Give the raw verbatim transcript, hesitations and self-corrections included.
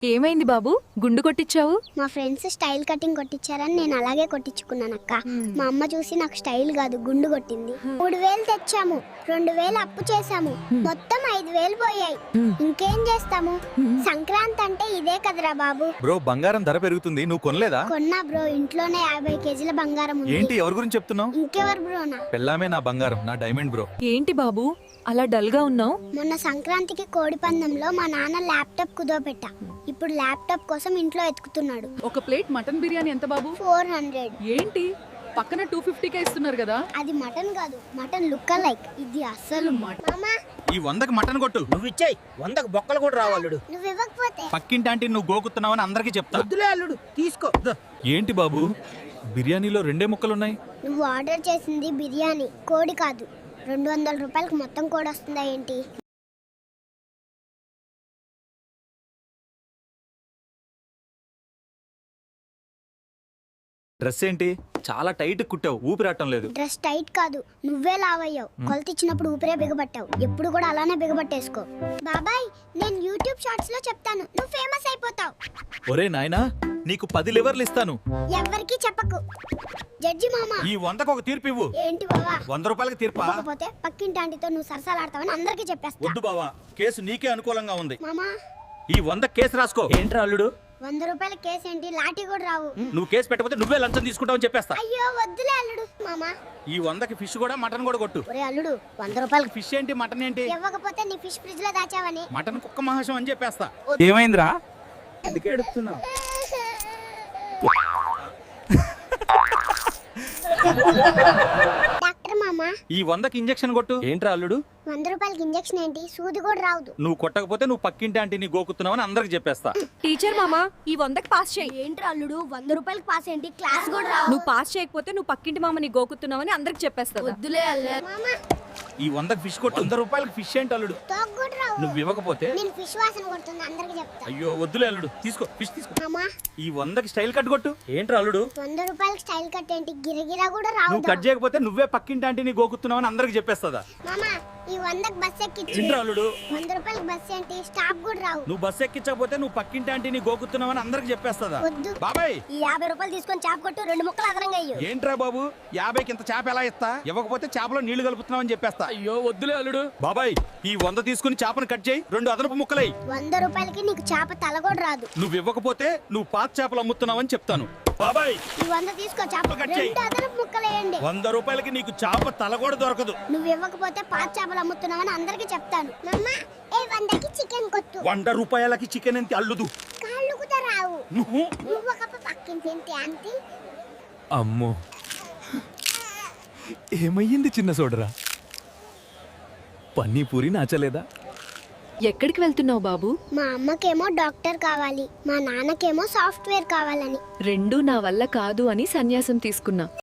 ఏమైంది బాబు, గుండు కొట్టించావు? మా ఫ్రెండ్స్ స్టైల్ కటింగ్ కొట్టించారని నేను అలాగే కొట్టించుకున్నాను అక్క. మా అమ్మ చూసి నాకు స్టైల్ కాదు గుండు కొట్టింది. మూడు వేలు తెచ్చాము, రెండు వేలు అప్పు చేసాము, మొత్తం ఐదు వేలు పోయాయి. ఇంకేం చేస్తాము? సంక్రాంతి అంటే ఇదే కదరా బాబు. బ్రో, బంగారం ధర పెరుగుతుంది, నువ్వు కొనలేదా? కొన్నా బ్రో, ఇంట్లోనే యాభై కేజీల బంగారం ఉంది. ఏంటి, ఎవరి గురించి చెప్తున్నావు? ఇంకెవరు బ్రో? నా పెళ్ళామే నా బంగారం, నా డైమండ్ బ్రో. ఏంటి బాబు అలా డల్ గా ఉన్నావు? మొన్న సంక్రాంతికి కోడి పందెంలో మా నాన్న ల్యాప్టాప్ కుదోపెట్టా. ఇప్పుడు ల్యాప్టాప్ కోసం ఇంట్లో ఎతుకుతున్నాడు. ఒక ప్లేట్ మటన్ బిర్యానీ ఎంత బాబు? Four hundred. ఏంటి పక్కన టూ ఫిఫ్టీకే ఇస్తున్నారు కదా? అది మటన్ కాదు, మటన్ లుక్ లైక్. ఇది అస్సలు మామా, ఈ వందకి మటన్ కొట్టు. నువ్వు ఇచ్చేయి, వందకు బొక్కలు కూడా రావాలడు. నువ్వు ఇవ్వకపోతే పక్కింటి ఆంటీ నువ్వు గోకుతున్నావని అందరికీ చెప్తా. వద్దులే అల్లుడు, తీసుకో. ద. ఏంటి బాబు, బిర్యానీలో రెండే ముక్కలున్నాయి? నువ్వు ఆర్డర్ చేసింది బిర్యానీ, కోడి కాదు. రెండు వందల రూపాయలకు మొత్తం కోడి వస్తుందా ఏంటి? డ్రెస్ ఏంటి, చాలా టైట్ కుట్టావు, ఊపిరాటం లేదు. డ్రెస్ టైట్ కాదు, నువ్వే లావయ్యావు. కొలతిచ్చినప్పుడు ఊపిరే బిగబట్టావు. ఎప్పుడు కూడా అలానే బిగబట్టేసుకో. బాబాయ్, నేను యూట్యూబ్ షార్ట్స్ లో చెప్తాను, నువ్వు ఫేమస్ అయిపోతావు. ఒరే నాయనా, నీకు పది లివర్లు ఇస్తాను. ఎవ్వరికి చెప్పకు. జడ్జి మామ, ఈ వందకు ఒక తీర్పు ఇవ్వు. ఏంటి బావా? వంద రూపాయలకి తీర్పా? కాకపోతే పక్కింటి ఆంటీతో నువ్వు సరసాలాడతావని అందరికీ చెప్పేస్తా. వద్దు బావా, కేసు నీకే అనుకూలంగా ఉంది. మామా, ఈ వంద కేసు రాసుకో. ఏంట్రా అల్లుడు? వంద రూపాయల కేసు ఏంటి, లాఠీ కూడా రావు. నువ్వు కేసు పెట్టకపోతే నువ్వే లంచం తీసుకుంటావని చెప్పేస్తా. అయ్యో వద్దులే అల్లుడు. మామా, ఈ వందకి ఫిష్ కూడా మటన్ కూడా కొట్టు. ఒరే అల్లుడు, వంద రూపాయలకి ఫిష్ ఏంటి, మటన్ ఏంటి? ఇవ్వకపోతే నీ ఫిష్ ఫ్రిడ్జ్ లో దాచావని. మటన్ కుక్క మహాశం అని చెప్పేస్తా. ఏమైందిరా? ఎందుకు ఎడుతున్నావు? డాక్టర్ మామా, ఈ వందకి ఇంజెక్షన్ కొట్టు. ఏంట్రా అల్లుడు? వంద రూపాయలకి ఇంజెక్షన్ ఏంటి, సూది కూడా రాదు. నువ్వు కొట్టకపోతే నువ్వు పక్కింటి ఆంటీని గోకుతున్నావని అందరికి చెప్పేస్తా. టీచర్ మామా, ఈ వందకి పాస్ చేయి. ఏంటి అల్లుడు, వంద రూపాయలకి పాస్ ఏంటి, క్లాస్ కూడా రావు. నువ్వు పాస్ చేయకపోతే నువ్వు పక్కింటి మామని గోకుతున్నావని అందరికి చెప్పేస్తా. వద్దులే అల్లే. మామా, ఈ వందకి ఫిష్ కొట్టు. వంద రూపాయలకి ఫిష్ ఏంటి అల్లుడు? తోక కూడా రావు. నువ్వు ఇవ్వకపోతే నేను ఫిష్ వాసన కొడుతుంది అందరికి చెప్తా. అయ్యో వద్దులే అల్లుడు, తీసుకో, ఫిష్ తీసుకో. మామా, ఈ వందకి స్టైల్ కట్ కొట్టు. ఏంట్రా అల్లుడు? వంద రూపాయలకి స్టైల్ కట్ ఏంటి, గిరగిరా కూడా రావు. నువ్వు కట్ చేయకపోతే నువ్వే పక్కింటి ఆంటీని గోకుతున్నావని అందరికి చెప్పేస్తా. మామా, ఈ వందకి బస్ ఎక్కించి. ఏంట్రా అల్లుడు? వంద రూపాయలకి బస్ ఏంటి, స్టాప్ కూడా రావు. నువ్వు బస్సు ఎక్కించకపోతే నువ్వు పక్కింటి ఆంటీని గోకుతున్నావని అందరికి చెప్పేస్తా. వద్దు. బాబాయ్, ఈ యాభై రూపాయలు తీసుకొని చేప కొట్టు, రెండు ముక్కలు అదనంగా అయ్యు. ఏంట్రా బాబు, యాభైకి ఇంత చేప ఎలా ఇస్తా? ఇవ్వకపోతే చేపలో నీళ్లు కలుపుతున్నావని చెప్పేస్తా. అయ్యో వద్దులే అల్లుడు. బాబాయ్, ఈ వంద తీసుకుని చేపను కట్ చేయి, రెండు అదనపు ముక్కలై. వంద రూపాయలకి నీకు చేప తల కూడా రాదు. నువ్వు ఇవ్వకపోతే నువ్వు పాత చేపలు అమ్ముతున్నావని చెప్తాను. బాబాయ్, ఈ వంద తీసుకో, చేప కట్ చేయి. రెండు అదనపు ముక్కలేయండి. వంద రూపాయలకి నీకు చేప తల కూడా దొరకదు. నువ్వు ఇవ్వకపోతే పాత చేపలు అమ్ముతున్నావని అందరికి చెప్తాను. మమ్మా, ఏ వందకి చికెన్ కొట్టు. వంద రూపాయలకి చికెన్ ఎంత అల్లుదు? కాళ్ళు కూడా రావు. నువ్వు నువ్వు ఒక పక్కింటి ఏంటి ఆంటీ? అమ్మో, ఏమయ్యింది చిన్న సోదరా? పన్నీపూరి నచ్చలేదా? ఎక్కడికి వెళ్తున్నావు బాబు? మా అమ్మకేమో డాక్టర్ కావాలి, మా నాన్నకేమో సాఫ్ట్వేర్ కావాలని. రెండు నా వల్ల కాదు అని సన్యాసం తీసుకున్నా.